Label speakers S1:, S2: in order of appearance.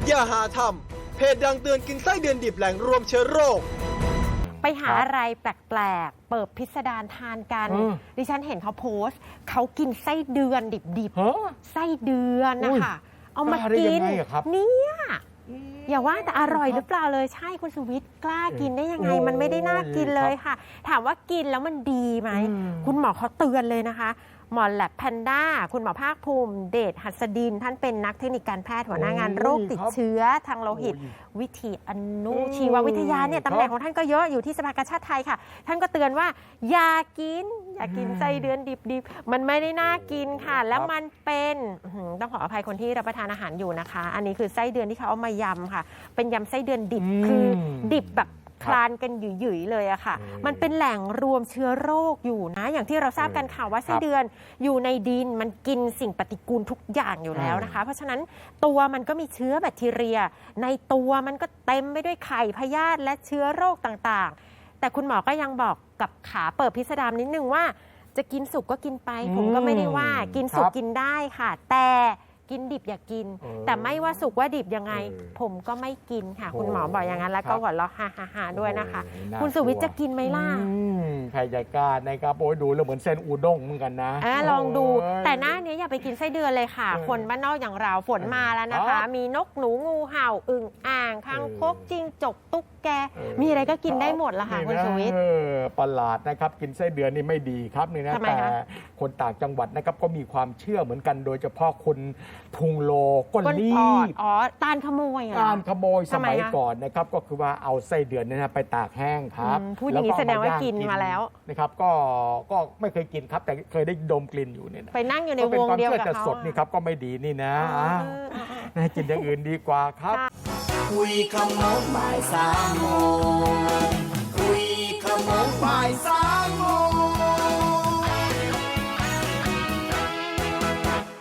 S1: อย่าหาทำเพจดังเตือนกินไส้เดือนดิบแหล่งรวมเชื้อโรค
S2: ไปหาอะไรแปลกๆเปิดพิสดารทานกันดิฉันเห็นเขาโพสต์เขากินไส้เดือนดิบๆไส้เดือนนะคะเอามากินเนี่ยอย่าว่าแต่อร่อยหรือเปล่าเลยใช่คุณสุวิทย์กล้ากินได้ยังไงมันไม่ได้น่ากินเลยค่ะถามว่ากินแล้วมันดีไหมคุณหมอเขาเตือนเลยนะคะหมอแลบแพนด้าคุณหมอภาคภูมิเดชหัสดินท่านเป็นนักเทคนิคการแพทย์หัวหน้างานโรคติดเชื้อทางโลหิตวิถีอนุชีววิทยาเนี่ยตำแหน่งของท่านก็เยอะอยู่ที่สภากาชาดไทยค่ะท่านก็เตือนว่าอย่ากินไส้เดือนดิบๆมันไม่ได้น่ากินค่ะแล้วมันเป็นต้องขออภัยคนที่รับประทานอาหารอยู่นะคะอันนี้คือไส้เดือนที่เขาเอามายำค่ะเป็นยำไส้เดือนดิบคือดิบแบบคลานกันหยุ่ยๆเลยอะค่ะมันเป็นแหล่งรวมเชื้อโรคอยู่นะอย่างที่เราทราบกันค่ะว่าไส้เดือนอยู่ในดินมันกินสิ่งปฏิกูลทุกอย่างอยู่แล้วนะคะเพราะฉะนั้นตัวมันก็มีเชื้อแบคทีเรียในตัวมันก็เต็มไปด้วยไข่พยาธิและเชื้อโรคต่างๆแต่คุณหมอก็ยังบอกกับขาเปิดพิสดารนิดนึงว่าจะกินสุกก็กินไปผมก็ไม่ได้ว่ากินสุกกินได้ค่ะแต่กินดิบอย่ากินแต่ไม่ว่าสุกว่าดิบยังไงผมก็ไม่กินค่ะคุณหมอบอกอย่างนั้นแล้วก็หัวเราะฮ่าๆด้วยนะคะคุณสุวิทย์จะกินไหมล่ะ
S3: ใครจะกล้านะครับโอ้ยดูแล้วเหมือนเส้นอูด้งเหมือนกันนะ
S2: ลองดูแต่หน้านี้อย่าไปกินไส้เดือนเลยค่ะคนบ้านนอกอย่างเราฝนมาแล้วนะคะมีนกหนูงูเห่าอึ่งอ่างคางคกจิ้งจกตุ๊กแกมีอะไรก็กินได้หมดละค่ะคุณสุวิทย์
S3: ประหลาดนะครับกินไส้เดือนนี่ไม่ดีครับนี่นะแต่คนต่างจังหวัดนะครับก็มีความเชื่อเหมือนกันโดยเฉพาะคนพุงโลก้นรีบ
S2: ตาลขโมย
S3: ตาลขโมยสมัยก่อนนะครับก็คือว่าเอาไส้เดือนนี่นะไปตากแห้งครับ
S2: พูดอย่างนี้แสดงว่ากินมาแล้ว
S3: นะครับก็ไม่เคยกินครับแต่เคยได้ดมกลิ่นอยู่เนี่ย
S2: ไปนั่งอยู่ในวงเดียวกับเขา
S3: สดนี่ครับก็ไม่ดีนี่นะกินอย่างอื่นดีกว่าครับ
S4: คุยขโมงบ่าย3 โมง